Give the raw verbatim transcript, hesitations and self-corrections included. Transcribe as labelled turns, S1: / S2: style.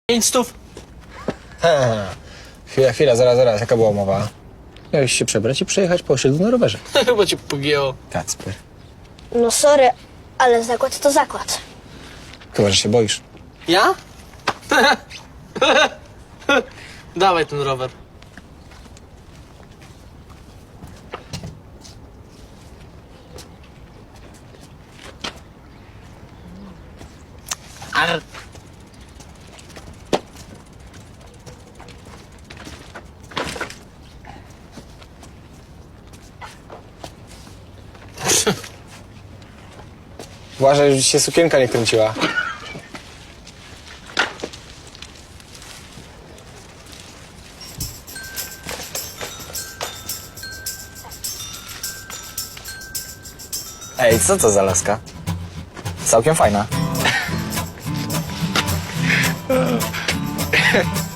S1: Pięć stów?
S2: Ha, chwila, chwila, zaraz, zaraz, jaka była umowa? Miałeś się przebrać i przejechać po osiedlu na rowerze.
S1: Chyba cię pogięło.
S2: Kacper.
S3: No sorry, ale zakład to zakład.
S2: Chyba, że się boisz.
S1: Ja? Dawaj ten rower. Ar.
S2: Uważaj, żeby ci się sukienka nie kręciła. Ej, co to za laska? Całkiem fajna.